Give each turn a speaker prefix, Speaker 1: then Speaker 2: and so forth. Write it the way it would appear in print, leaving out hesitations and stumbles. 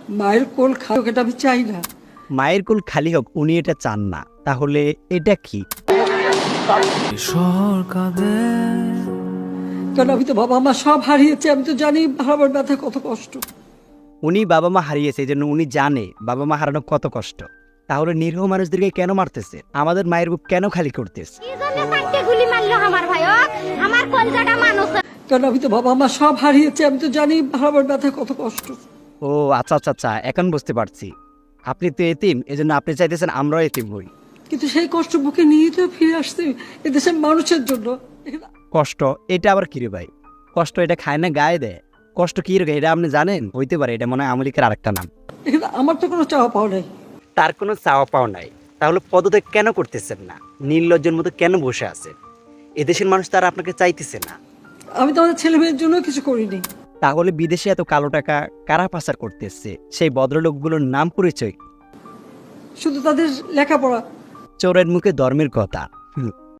Speaker 1: মায়ের কোল খাও, এটা আমি চাই না।
Speaker 2: মায়ের কোল খালি হোক, উনি এটা চান না, তাহলে এটা কি?
Speaker 1: কারণ আমি তো বাবা মা সব হারিয়েছি, আমি তো জানি হারাবার ব্যথা কত কষ্ট।
Speaker 2: উনি বাবা মা হারিয়েছে, এই জন্য উনি জানে বাবা মা হারানো কত কষ্ট। তাহলে নিরীহ মানুষদেরকে কেন মারতেছে? আমাদের মায়ের বুক কেন খালি করতেছে?
Speaker 3: গুলি মারলো আমার ভাই, আমার কলজাটা মানুষ।
Speaker 1: কারণ আমি তো বাবা মা সব হারিয়েছি, আমি তো জানি হারাবার ব্যথা কত কষ্ট।
Speaker 2: ও আচ্ছা আচ্ছা আচ্ছা, এখন বুঝতে পারছি। আপনি তো এতিম, এজন্য আপনি চাইতেছেন আমরাও এতিম হই।
Speaker 1: কিন্তু সেই কষ্ট বুকে নিয়ে তো ফিরে আসছি এদেশের মানুষের জন্য।
Speaker 2: কষ্ট এটা আবার কি রে ভাই? কষ্ট এটা খায় না গায়ে দেয়। কষ্ট কি রে, এটা আপনি জানেন? হইতে পারে এটা মনে হয় আমলিকের আরেকটা নাম।
Speaker 1: এখানে আমার তো কোনো চাওয়া পাওয়া নাই।
Speaker 2: তার কোনো চাওয়া পাওয়া নাই, তাহলে পদত্যাগ কেন করতেছেন না? নির্লজ্জের মতো কেন বসে আছেন? এদেশের মানুষ তারা আপনাকে চাইতেছে না।
Speaker 1: আমি তো আমাদের ছেলে মেয়ের জন্য কিছু করিনি।
Speaker 2: তাহলে বিদেশে এত কালো টাকা কারা পাচার করতেছে? সেই ভদ্রলোকগুলোর নাম পরিচয়?
Speaker 1: শুধু তাদের লেখাপড়া।
Speaker 2: চোরের মুখে ধর্মের কথা।